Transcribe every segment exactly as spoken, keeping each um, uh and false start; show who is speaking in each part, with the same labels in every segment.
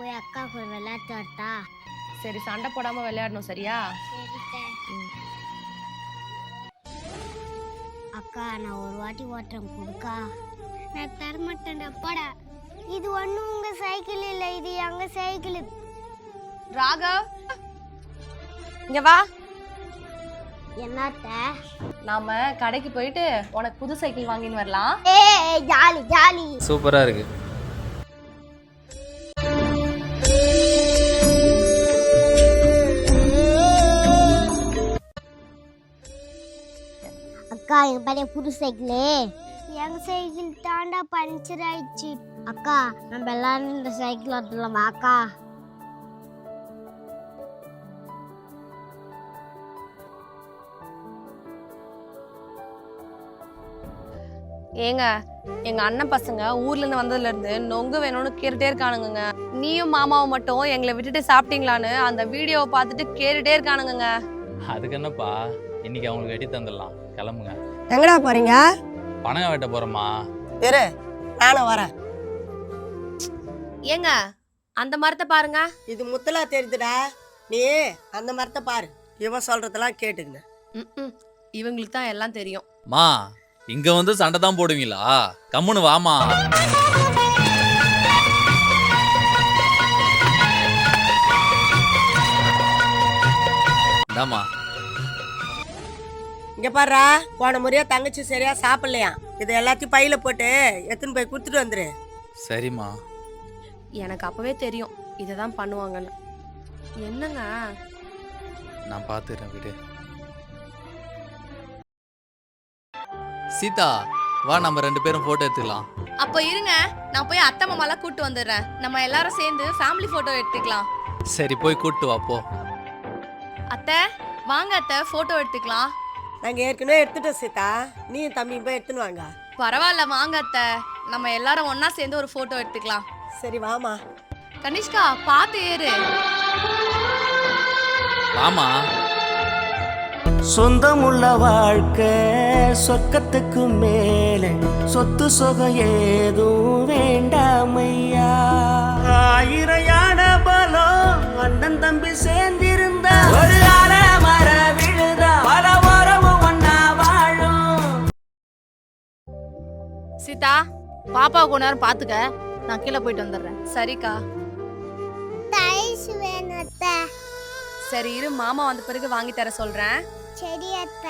Speaker 1: போய் அக்கா கூட விளையாட்டு வரட்டா?
Speaker 2: சரி, சண்டை போடாம விளையாடணும், சரியா?
Speaker 1: அக்கா நான் ஒரு வாட்டி ஓட்டுறேன் கொடுக்கா. நான் தரமாட்டேன்டா போடா. இது ஒன்றும் உங்க சைக்கிள் இல்லை, இது எங்க சைக்கிள்.
Speaker 2: ராகவ் இங்க வா.
Speaker 1: என்னத்த?
Speaker 2: நாம கடைக்கு போயிட்டு உனக்கு புது சைக்கிள் வாங்கின்னு வரலாம்.
Speaker 1: ஏய் ஜாலி ஜாலி.
Speaker 3: சூப்பரா இருக்கு.
Speaker 1: அக்கா எங்க பழைய புது சைக்கிளு. எங்க சைக்கிள் தாண்டா பஞ்சர் ஆயிடுச்சு. அக்கா நம்ம எல்லாரும் இந்த சைக்கிள் ஓட்டலாமா அக்கா?
Speaker 2: ஏங்க, எங்க அண்ணன் பசங்க ஊர்ல இருந்து வந்ததுல இருந்து நொங்கு வேணும்னு கேட்டுட்டே இருக்கானுங்க. நீயும் மாமாவும் மட்டும் எங்களை விட்டுட்டு சாப்பிட்டீங்களான்னு அந்த வீடியோவை பார்த்துட்டு கேட்டுட்டே இருக்கானுங்க.
Speaker 3: அதுக்கு என்னப்பா, இன்னைக்கு அவங்களுக்கு வெட்டி தந்துடலாம். கிளம்புங்க.
Speaker 4: எங்கடா போறீங்க?
Speaker 3: பணங்க வெட்ட போறோமா?
Speaker 4: இரு, நானும் வரேன்.
Speaker 2: ஏங்க, அந்த மரத்தை பாருங்க.
Speaker 4: இது முத்தலா தெரியுதுடா. நீ அந்த மரத்தை பாரு. இவன் சொல்றதெல்லாம் கேட்டுங்க.
Speaker 2: இவங்களுக்கு தான் எல்லாம் தெரியும்.
Speaker 3: மா, இங்க வந்து சண்டை தான் போடுவீங்களா? கம்முன்னு வாமா. இந்தாமா.
Speaker 4: இங்க பாருடா, போன முறையா தங்கச்சி சரியா சாப்பிடலையா? இதை எல்லாத்தையும் பையில போட்டு எடுத்துன்னு போய் கொடுத்துட்டு வந்துரு.
Speaker 3: சரிம்மா.
Speaker 2: எனக்கு அப்பவே தெரியும் இததான் பண்ணுவாங்கன்னு. என்னங்க?
Speaker 3: நான் பாத்துறேன் விடு. சீதா, வா நம்ம ரெண்டு பேரும் போட்டோ எடுத்துக்கலாம்.
Speaker 2: அப்போ இருங்க, நான் போய் அத்தை மாமாலாம் கூட்டு வந்துடுறேன். நம்ம எல்லாரும் சேர்ந்து ஃபேமிலி போட்டோ எடுத்துக்கலாம்.
Speaker 3: சரி, போய் கூட்டு வா போ.
Speaker 2: அத்தை வாங்க அத்தை, போட்டோ எடுத்துக்கலாம்.
Speaker 4: நாங்க ஏற்கனவே எடுத்துட்டோம் சீதா. நீ தம்பி போய் எடுத்துன்னு வாங்க.
Speaker 2: பரவாயில்ல, வாங்க அத்தை, நம்ம எல்லாரும் ஒன்னா சேர்ந்து ஒரு போட்டோ எடுத்துக்கலாம்.
Speaker 4: சரி வாமா.
Speaker 2: கனிஷ்கா பாத்து ஏறு.
Speaker 3: வாமா.
Speaker 5: சொந்தமுள்ள வாழ்க்கை சொர்க்கத்துக்கு மேலே, சொத்து சொகம் ஏதும் வேண்டாமையா. ஆயிரையான பலம் அண்ணன் தம்பி சேர்ந்திருந்த ஒரு அல மர விழுதா பல உறவும் ஒன்னா வாழும்.
Speaker 6: சீதா, பாப்பா கொஞ்ச நேரம் பாத்துக்க, நான் கீழே போயிட்டு வந்துடுறேன்.
Speaker 2: சரிக்கா.
Speaker 1: டைஸ் வேணும் அத்தை.
Speaker 2: சரி இரு, மாமா வந்த பிறகு வாங்கி தர சொல்றேன்.
Speaker 1: சரி அத்தை.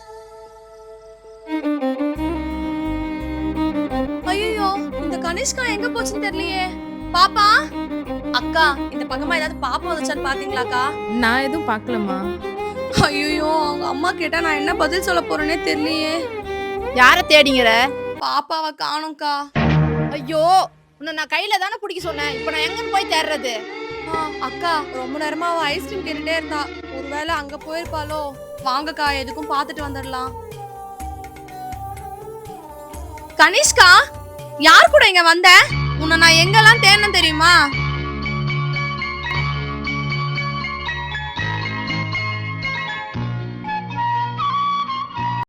Speaker 2: ஐயோ, இந்த கனிஷ்கா எங்க போச்சுன்னு தெரியலையே. பாப்பா, அக்கா இந்த பக்கமா ஏதாவது பாப்பா வந்துச்சான்னு பாத்தீங்களாக்கா?
Speaker 6: நான் எதுவும் பார்க்கலம்மா.
Speaker 2: ஐயோ, அவங்க அம்மா கேட்டா நான் என்ன பதில் சொல்ல போறேனே தெரியலையே.
Speaker 6: யார தேடிங்கிற?
Speaker 2: பாப்பாவை காணோம்க்கா.
Speaker 6: ஐயோ, உன்னை நான் கையில தானே பிடிக்க சொன்னேன். இப்ப நான் எங்க போய் தேடுறது?
Speaker 2: அக்கா ரொம்ப நேரமா அவ ஐஸ்கிரீம் கேட்டுட்டே இருந்தா. ஒருவேளை அங்க போயிருப்பாளோ. வாங்கக்கா, எதுக்கும் பாத்துட்டு வந்துடலாம். கனிஷ்கா, யார் கூட இங்க வந்த? உன்னை நான் எங்கெல்லாம் தேடணும் தெரியுமா?